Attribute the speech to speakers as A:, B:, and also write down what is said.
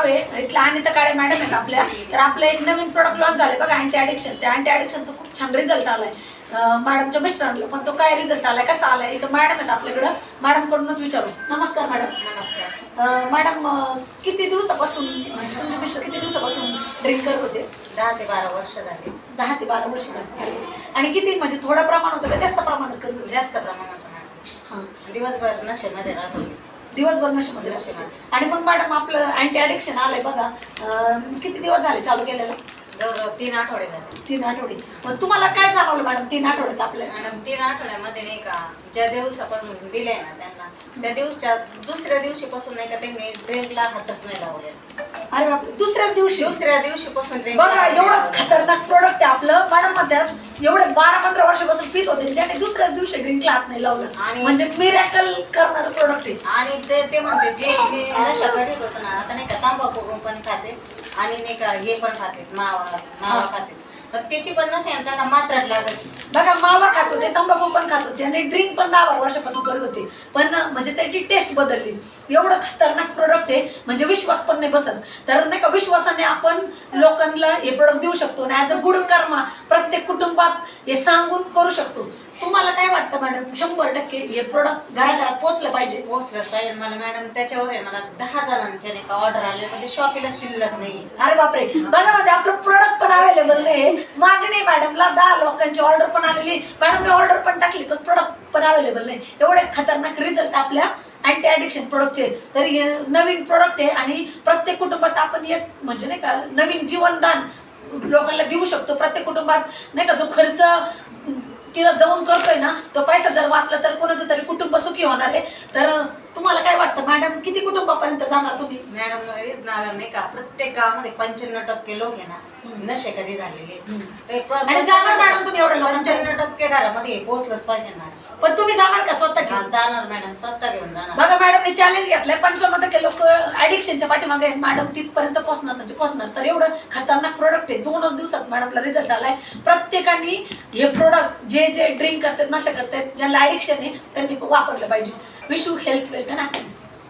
A: गाव आहे इथल्या अनिता काळे मॅडम आहेत आपल्या. तर आपलं एक नवीन प्रोडक्ट लॉन्च झाले बघा अँटी ॲडिक्शन. त्या अँटी ॲडिक्शनचा खूप छान रिझल्ट आलाय मॅडमच्या मिस्टरांना. पण तो काय रिझल्ट आलाय कसा आलाय इथं मॅडम आहेत आपल्याकडं, मॅडमकडूनच विचारू. नमस्कार मॅडम.
B: नमस्कार
A: मॅडम किती दिवसापासून म्हणजे तुमचे मिस्टर किती दिवसापासून ड्रिंक करत होते?
B: 10 ते 12 वर्ष झाली.
A: 10 ते 12 वर्ष झाली. आणि किती म्हणजे थोडं प्रमाण होतं का जास्त प्रमाणात करत होते?
B: जास्त प्रमाणात
A: हां,
B: दिवसभर नशेमध्ये राहत होती.
A: दिवसभर नशेमध्ये राहते. आणि मग मॅडम आपलं अँटी ॲडिक्शन आलंय बघा, किती दिवस झाले चालू केलेलं?
B: जवळजवळ 3 आठवडे झाले.
A: 3 आठवडे. मग तुम्हाला काय जाणवलं मॅडम 3 आठवड्यात आपल्याला?
B: मॅडम 3 आठवड्यामध्ये नाही का ज्या दिवसापासून दिले ना त्यांना त्या दिवसच्या दुसऱ्या दिवशीपासून नाही का त्यांनी ड्रिंकला हातच नाही लावले.
A: अरे बापरे, दुसऱ्याच
B: दिवशीपासून
A: बघा एवढं खतरनाक प्रोडक्ट आहे आपलं. मॅडम म्हणतात एवढे 12-15 वर्षापासून पित होते ज्याने दुसऱ्याच दिवशी ड्रिंकला हात नाही लावलं.
B: आणि
A: म्हणजे मिरॅकल करणारं प्रोडक्ट आहे.
B: आणि ते म्हणते जे मी नशा करीत होतो ना आता नाही का तांबाखू पण खाते आणि नाही का हे पण खाते मावा खाते. पण त्याची पण नशा त्यांना मात्रात लागत.
A: बघा मावा खात होते, तंबाखू पण खात होते आणि ड्रिंक पण 10-12 वर्षापासून करत होते. पण म्हणजे त्याची टेस्ट बदलली. एवढं खतरनाक प्रोडक्ट आहे म्हणजे विश्वास पण नाही बसत. तर नाही का विश्वासाने आपण लोकांना हे प्रोडक्ट देऊ शकतो आणि ॲज अ गुड कर्मा प्रत्येक कुटुंबात हे सांगून करू शकतो. तुम्हाला काय वाटतं मॅडम? 100% हे प्रोडक्ट घराघरात पोहोचलं पाहिजे.
B: पोहोचलंच पाहिजे. मला मॅडम त्याच्यावर आहे मला 10 जणांचे नाही का ऑर्डर आले पण ते शॉपीला शिल्लक नाही.
A: अरे बापरे, बघा म्हणजे आपलं प्रोडक्ट पण अवेलेबल नाही. मागणी मॅडमला 10 लोकांची ऑर्डर पण आलेली, मॅडमने ऑर्डर पण टाकली पण प्रोडक्ट पण अवेलेबल नाही. एवढे खतरनाक रिझल्ट आपल्या अँटी ॲडिक्शन प्रोडक्टचे. तर हे नवीन प्रोडक्ट आहे आणि प्रत्येक कुटुंबात आपण एक म्हणजे नाही का नवीन जीवनदान लोकांना देऊ शकतो. प्रत्येक कुटुंबात नाही का जो खर्च तिला जाऊन करतोय ना तो पैसा जर वाचला तर कोणाचं तरी कुटुंब सुखी होणार आहे. तर तुम्हाला काय वाटतं मॅडम किती कुटुंबापर्यंत जाणार तुम्ही?
B: मॅडम नाही का प्रत्येक गावामध्ये 95% लोक आहे ना नशेकरी झालेले
A: आणि जाणार मॅडम तुम्ही एवढ्या लोकांच्या
B: 95% घरामध्ये पोहोचलंच पाहिजे मॅडम.
A: पण तुम्ही जाणार का स्वतः घेऊन?
B: जाणार मॅडम, स्वतः घेऊन जाणार.
A: बघा मॅडमने चॅलेंज घेतलंय 95% लोक ऍडिक्शनच्या पाठीमागे आहेत. मॅडम तिथपर्यंत पोहोचणार म्हणजे पोहोचणार. तर एवढं खतरनाक प्रोडक्ट आहे. 2च दिवसात मॅडमला रिझल्ट आलाय. प्रत्येकाने हे प्रोडक्ट जे ड्रिंक करतात नशा करतात ज्यांना ऍडिक्शन आहे त्यांनी वापरलं पाहिजे. Wish you health, wealth and happiness.